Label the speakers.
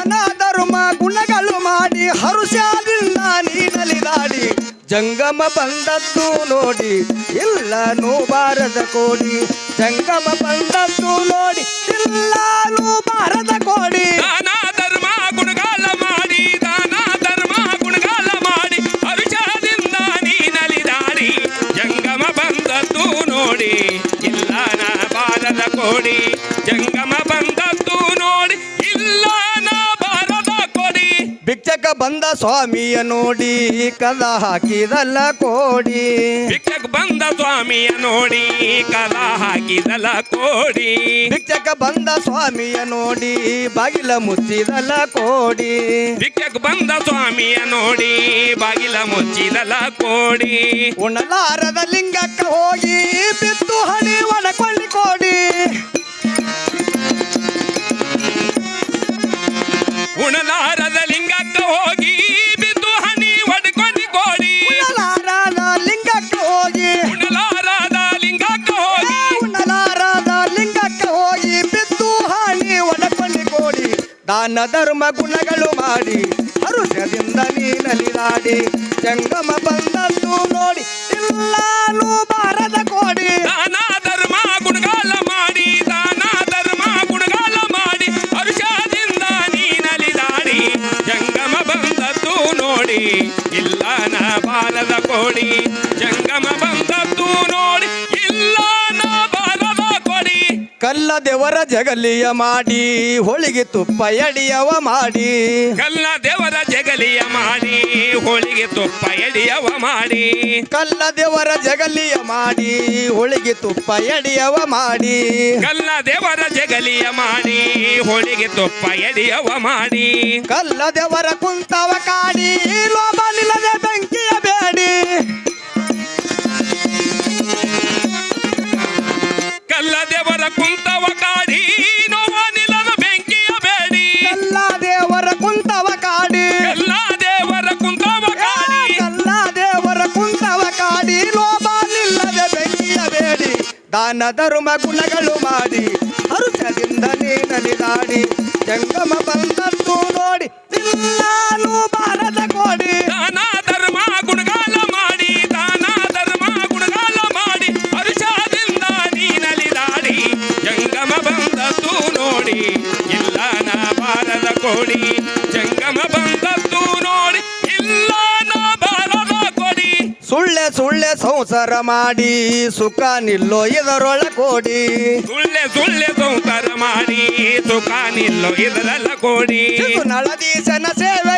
Speaker 1: ದಾನ ಧರ್ಮ ಗುಣಗಳು ಮಾಡಿ ಹರುಷದಿಂದ ನೀನಲಿದಾಡಿ ಜಂಗಮ ಬಂದದ್ದು ನೋಡಿ ಇಲ್ಲನೂ ಬಾರದ ಕೋಡಿ ಜಂಗಮ ಬಂದದ್ದು ನೋಡಿ ಇಲ್ಲನೂ ಬಾರದ ಕೋಡಿ
Speaker 2: ದಾನ ಧರ್ಮ ಗುಣಗಾಲ ಮಾಡಿ ದಾನ ಧರ್ಮ ಗುಣಗಾಲ ಮಾಡಿ ಹರುಷದಿಂದ ನೀನಲಿದಾಡಿ ಜಂಗಮ ಬಂದದ್ದು ನೋಡಿ ಇಲ್ಲ ನಾ ಬಾರದ ಕೋಡಿ ಜಂಗಮ ಬಂದದ್ದು ನೋಡಿ ಇಲ್ಲ ನಾ ಬಾರದ ಕೋಡಿ
Speaker 1: ಭಿಕ್ಷಕ ಬಂದ ಸ್ವಾಮಿಯ ನೋಡಿ ಕದ ಹಾಕಿದಲ್ಲ ಕೋಡಿ
Speaker 2: ಭಿಕ್ಷಕ ಬಂದ ಸ್ವಾಮಿಯ ನೋಡಿ ಕದ ಹಾಕಿದಲ್ಲ ಕೋಡಿ
Speaker 1: ಭಿಕ್ಷಕ ಬಂದ ಸ್ವಾಮಿಯ ನೋಡಿ ಬಾಗಿಲ ಮುಚ್ಚಿದಲ್ಲ ಕೋಡಿ
Speaker 2: ಭಿಕ್ಷಕ ಬಂದ ಸ್ವಾಮಿಯ ನೋಡಿ ಬಾಗಿಲ ಮುಚ್ಚಿದಲ್ಲ ಕೋಡಿ
Speaker 1: ಉಣಲಾರದ ಲಿಂಗಕ್ಕ ಹೋಗಿ ಬಿತ್ತು ಹಣಿ ಒಣಕೊಳ್ಳಿ ಕೋಡಿ
Speaker 2: ಉಣಲಾರದ ಲಿಂಗಕ್ಕ ಹೋಗಿ ಬಿದ್ದು ಹನಿ ಒಡ್ಕೊಂಡು ಕೋಡಿ
Speaker 1: ಉಣಲಾರದ ಲಿಂಗಕ್ಕ ಹೋಗಿ
Speaker 2: ಉಣಲಾರದ ಲಿಂಗಕ್ಕ ಹೋಗಿ
Speaker 1: ಉಣಲಾರದ ಲಿಂಗಕ್ಕ ಹೋಗಿ ಬಿತ್ತು ಹಣಿ ಒಣಕೊಳ್ಳಿ ಕೋಡಿ ದಾನ ಧರ್ಮ ಗುಣಗಳು ಮಾಡಿ ಹರುಷದಿಂದ ನೀನಲಿದಾಡಿ ಜಂಗಮ ಬಂದದ್ದು ನೋಡಿ ಇಲ್ಲಾನು ಬಾರದ ಕೋಡಿ
Speaker 2: ದಾನ ಧರ್ಮ ಗುಣಗಾಲ ಮಾಡಿ ದಾನ ಧರ್ಮ ಗುಣಗಾಲ ಮಾಡಿ ಹರುಷದಿಂದ ನೀನಲಿದಾಡಿ ಜಂಗಮ ಬಂದದ್ದು ನೋಡಿ ಇಲ್ಲ ನಾ ಬಾರದ ಕೋಡಿ ಜಂಗಮ ಬಂದದ್ದು ನೋಡಿ ಇಲ್ಲ ನಾ ಬಾರದ ಕೋಡಿ
Speaker 1: ಕಲ್ಲ ದೇವರ ಜಗಲಿಯ ಮಾಡಿ ಹೋಳಿಗೆ ತುಪ್ಪ ಎಡಿಯವ ಮಾಡಿ
Speaker 2: ಕಲ್ಲ ದೇವರ ಜಗಲಿಯ ಮಾಡಿ ಹೋಳಿಗೆ ತುಪ್ಪ ಎಡಿಯವ ಮಾಡಿ
Speaker 1: ಕಲ್ಲ ದೇವರ ಜಗಲಿಯ ಮಾಡಿ ಹೋಳಿಗೆ ತುಪ್ಪ ಎಡಿಯವ ಮಾಡಿ
Speaker 2: ಕಲ್ಲ ದೇವರ ಜಗಲಿಯ ಮಾಡಿ ಹೋಳಿಗೆ ತುಪ್ಪ ಎಡಿಯವ ಮಾಡಿ
Speaker 1: ಕಲ್ಲ ದೇವರ ಕುಂತವ ಕಾಡಿ ಲೋಭ ನಿಲ್ಲದೆ ಬೆಂಕಿಯ ಬೇಡಿ
Speaker 2: ಕಲ್ಲ ದೇವರ ಕುಂತವ ಕಾಡಿ ನೋವ ನಿಲ್ಲದ ಬೆಂಕಿಯ ಬೇಡಿ
Speaker 1: ಕಲ್ಲ ದೇವರ ಕುಂತವ ಕಾಡಿ
Speaker 2: ಕಲ್ಲ ದೇವರ ಕುಂತವ ಕಾಡಿ
Speaker 1: ಕಲ್ಲ ದೇವರ ಕುಂತವ ಕಾಡಿ ಲೋಭ ನಿಲ್ಲದೆ ಬೆಂಕಿಯ ಬೇಡಿ ದಾನ ಧರ್ಮ ಗುಣಗಳು ಮಾಡಿ ಹರುಷದಿಂದ ನೀನಲಿದಾಡಿ ಜಂಗಮ ಬಂದದ್ದು ನೋಡಿ ಇಲ್ಲಾನು ಬಾರದ ಕೋಡಿ
Speaker 2: ದಾನ ಧರ್ಮ ಗುಣಗಾಲ ಮಾಡಿ ದಾನ ಧರ್ಮ ಗುಣಗಾಲ ಮಾಡಿ ಹರುಷದಿಂದ ನೀನಲಿದಾಡಿ ಜಂಗಮ ಬಂದದ್ದು ನೋಡಿ ಇಲ್ಲ ನಾ ಬಾರದ ಕೋಡಿ ಜಂಗಮ ಬಂದದ್ದು ನೋಡಿ ಇಲ್ಲ ನಾ ಬಾರದ ಕೋಡಿ
Speaker 1: ಸುಳ್ಳೆ ಸುಳ್ಳೆ ಸಂಸಾರ ಮಾಡಿ ಸುಖ ನಿಲ್ಲೋ ಇದರೊಳ ಕೋಡಿ
Speaker 2: ಸುಳ್ಳೆ ಸುಳ್ಳೆ ಸಂಸಾರ ಮಾಡಿ ಸುಖ ನಿಲ್ಲೋ ಇದರಲ್ಲ ಕೋಡಿ
Speaker 1: ನಳದೀಶನ ಸೇವೆ